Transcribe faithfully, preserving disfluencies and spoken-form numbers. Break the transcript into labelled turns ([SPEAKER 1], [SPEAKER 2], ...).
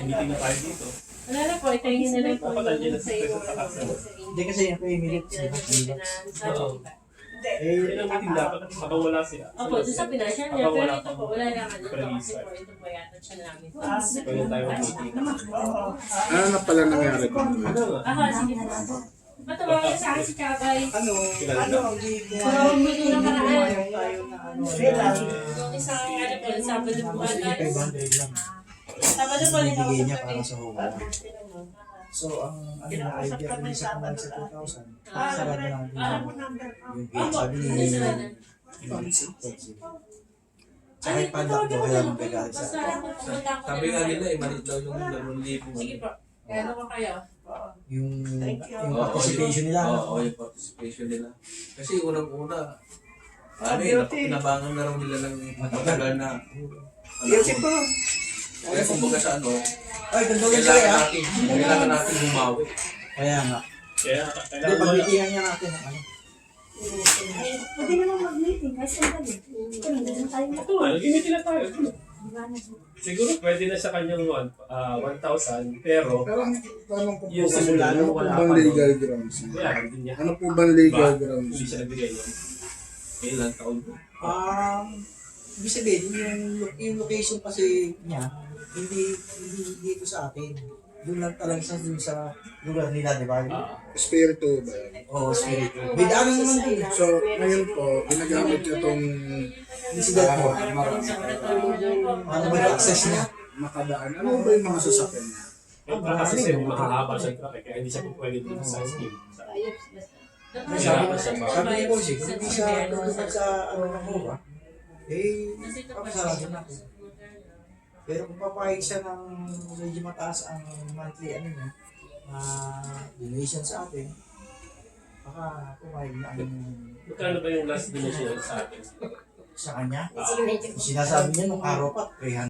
[SPEAKER 1] meeting na tayo dito.
[SPEAKER 2] Wala na po, ito yung nila po
[SPEAKER 1] Dapat nandiyan na
[SPEAKER 2] sa
[SPEAKER 1] si
[SPEAKER 2] iyo.
[SPEAKER 1] President Takas.
[SPEAKER 3] Hindi kasi yung pay minute.
[SPEAKER 1] Oo.
[SPEAKER 3] Eh,
[SPEAKER 1] Yan ang meeting dapat habang wala siya.
[SPEAKER 2] Opo, doon sa pinasya niya,
[SPEAKER 1] Habang
[SPEAKER 2] pero
[SPEAKER 1] wala
[SPEAKER 2] ito po, wala naman ito kasi po, ito po yata siya namin.
[SPEAKER 1] Pwede tayo mag-meeting.
[SPEAKER 4] Ano na pala nangyari ko?
[SPEAKER 1] Ano nga?
[SPEAKER 2] Aha, sige po. Matawagan na sa akin si Kabay.
[SPEAKER 3] ano,
[SPEAKER 1] Kilala
[SPEAKER 3] ano,
[SPEAKER 1] na.
[SPEAKER 3] hindi ko
[SPEAKER 2] Tumawag mo doon ang karaan.
[SPEAKER 3] tayo na ano.
[SPEAKER 2] Yung isang ano po, Sabado po
[SPEAKER 3] Kasi
[SPEAKER 2] ata.
[SPEAKER 3] five hundred lang.
[SPEAKER 2] Sabado po, nito
[SPEAKER 3] Binibigay niya
[SPEAKER 2] sa
[SPEAKER 3] para sa home. So, ang ano na, idea ko sa kamay sa two thousand. Sarado natin yung gate. Sabi ni Tsaka yung padlock daw, kaya magagalit sa
[SPEAKER 5] Sabi nga nila eh, maliit daw yung dalawang libo.
[SPEAKER 2] Sige po. Kaya ano ka kayo?
[SPEAKER 3] yung, yung
[SPEAKER 5] Oo,
[SPEAKER 3] participation nila.
[SPEAKER 5] Oo, yung participation nila. Kasi unang-una, ano eh, pinabangan na raw nila ng matagal na.
[SPEAKER 3] Guilty po.
[SPEAKER 5] Kaya kumbaga sa ano,
[SPEAKER 3] Ay, ganda lang sila
[SPEAKER 5] kailangan
[SPEAKER 3] ah.
[SPEAKER 5] natin, kailangan natin bumawi.
[SPEAKER 3] Kaya nga.
[SPEAKER 1] Kaya
[SPEAKER 3] Hindi,
[SPEAKER 1] kailangan wala.
[SPEAKER 3] pagbitihan niya natin. Ano?
[SPEAKER 6] Pwede naman mag-meeting kasi ang dali. Kung hindi na tayo
[SPEAKER 1] Ito nga, nag-meeting na tayo.
[SPEAKER 6] mag
[SPEAKER 1] Siguro pwede na sa kanyang one, ah, one thousand, pero
[SPEAKER 4] Pero ang tanong ko po,
[SPEAKER 1] yung simula
[SPEAKER 4] ano
[SPEAKER 1] nung
[SPEAKER 4] po
[SPEAKER 1] wala
[SPEAKER 4] bang
[SPEAKER 1] pa
[SPEAKER 4] legal
[SPEAKER 1] nun,
[SPEAKER 4] grounds?
[SPEAKER 1] kaya hindi niya.
[SPEAKER 4] Ano po bang legal
[SPEAKER 1] Ba?
[SPEAKER 4] grounds?
[SPEAKER 1] Hindi siya nagbigay nun.
[SPEAKER 5] Ilang taon po.
[SPEAKER 3] Um, ibig sabihin, yung, yung location kasi niya, hindi, hindi dito sa atin. Doon lang talaga sa, dun sa lugar nila, di ba?
[SPEAKER 1] Ah,
[SPEAKER 4] Espiritu ba yan?
[SPEAKER 3] Oo, oh, spirit. May daanan naman din.
[SPEAKER 4] So, ngayon po, ginagamit niya itong
[SPEAKER 3] Incident po. Ano ba yung access niya?
[SPEAKER 4] makadaan. Ano ba yung mga sasakyan niya?
[SPEAKER 1] eh, baka kasi sir, mahahaba siya yung traffic, kaya hindi siya po pwede dito sa scheme.
[SPEAKER 3] Sabi, sabi ni Boss, eh, kung hindi siya tutupad sa ano ng Cuba, eh, papasarado na ako. Pero kung papayag siya ng medyo mataas ang monthly ano niya, uh, donation sa atin, baka pumayag na ang
[SPEAKER 1] Magkano ba yung last donation sa atin?
[SPEAKER 3] sa kanya.
[SPEAKER 1] Ah,
[SPEAKER 3] Sinasabi niya nung araw pa, three hundred.